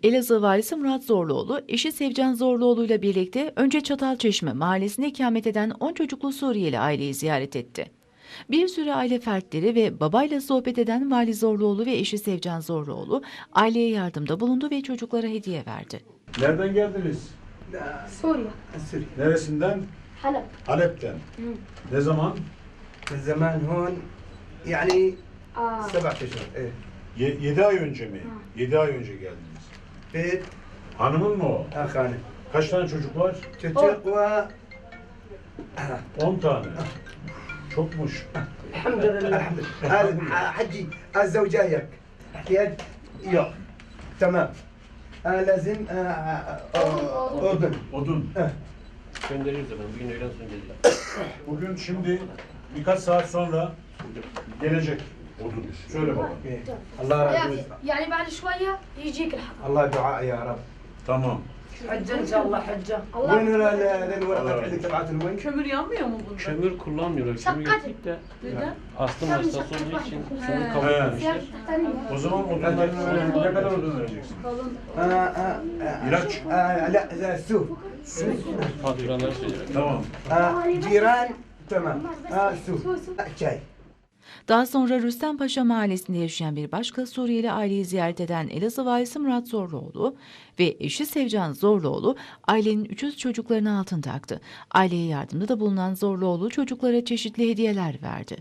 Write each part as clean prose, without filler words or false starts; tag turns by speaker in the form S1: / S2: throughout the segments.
S1: Elazığ Valisi Murat Zorluoğlu, eşi Sevcan Zorluoğlu ile birlikte önce Çatalçeşme mahallesinde ikamet eden 10 çocuklu Suriyeli aileyi ziyaret etti. Bir sürü aile fertleri ve babayla sohbet eden Vali Zorluoğlu ve eşi Sevcan Zorluoğlu aileye yardımda bulundu ve çocuklara hediye verdi.
S2: Nereden geldiniz?
S3: سوريا
S2: Neresinden?
S3: حلب
S2: Halep'ten. Ne zaman?
S4: زمان هون يعني
S3: آه
S4: 7 اشهر ايه
S2: 7 ay önce mi? 7 ay önce geldiniz.
S4: بيت
S2: Hanımın mı o?
S4: اخانه
S2: Kaç tane çocuk var?
S4: تتق و
S2: 10 tane. Çokmuş.
S4: الحمد لله الحمد لله حجي الزوجايك احتياج يو تمام لازم اردن
S2: Odun.
S5: Gönderiyoruz efendim. Bugün öğlen sonra gelecek.
S2: Bugün şimdi birkaç saat sonra gelecek odun. Söyle baba.
S4: الله
S3: يعني بعد شوية يجيك الحق
S4: الله دعاء يا رب
S2: Tamam.
S6: حجة إن شاء الله حجة.
S4: وين الورقه عندك تبعت الوين؟
S6: Kömür yanmıyor mu bunda?
S5: Kömür kullanmıyorlar. Kömür getirdik de
S6: Neden?
S5: astım hastası olduğu için kömür kabul
S2: He.
S5: etmemişler.
S2: O zaman odunların ne kadar odun vereceksin? İlaç.
S4: لا لا سوق
S5: Faturaları söylüyor.
S2: Tamam.
S4: جيران تمام سوق شاي
S1: Daha sonra Rüstempaşa mahallesinde yaşayan bir başka Suriyeli aileyi ziyaret eden Elazığ Valisi Murat Zorluoğlu ve eşi Sevcan Zorluoğlu ailenin 300 çocuklarını altın taktı. Aileye yardımda da bulunan Zorluoğlu çocuklara çeşitli hediyeler verdi.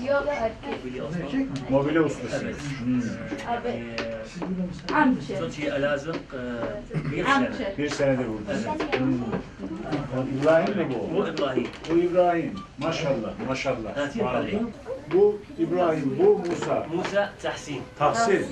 S2: Mobilya ustası.
S7: صرتي ألازق bir sene.
S2: Bir senedir burada. İbrahim mi bu?
S7: مو إبراهيم
S2: Bu İbrahim. Maşallah, maşallah.
S7: هاتي
S2: Maşallah.
S7: إبراهيم
S2: Bu İbrahim, bu Musa.
S7: موسى تحسين
S2: Tahsin.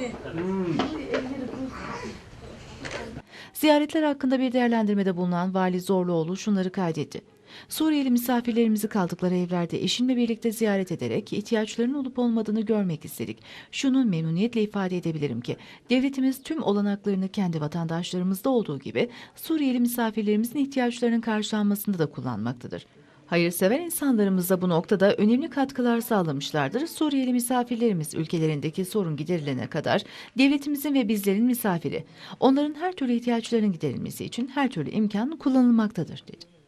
S1: Ziyaretler hakkında bir değerlendirmede bulunan Vali Zorluoğlu şunları kaydetti. Suriyeli misafirlerimizi kaldıkları evlerde eşimle birlikte ziyaret ederek ihtiyaçlarının olup olmadığını görmek istedik. Şunu memnuniyetle ifade edebilirim ki devletimiz tüm olanaklarını kendi vatandaşlarımızda olduğu gibi Suriyeli misafirlerimizin ihtiyaçlarının karşılanmasında da kullanmaktadır. Hayırsever insanlarımız da bu noktada önemli katkılar sağlamışlardır. Suriyeli misafirlerimiz ülkelerindeki sorun giderilene kadar devletimizin ve bizlerin misafiri. Onların her türlü ihtiyaçlarının giderilmesi için her türlü imkan kullanılmaktadır, dedi.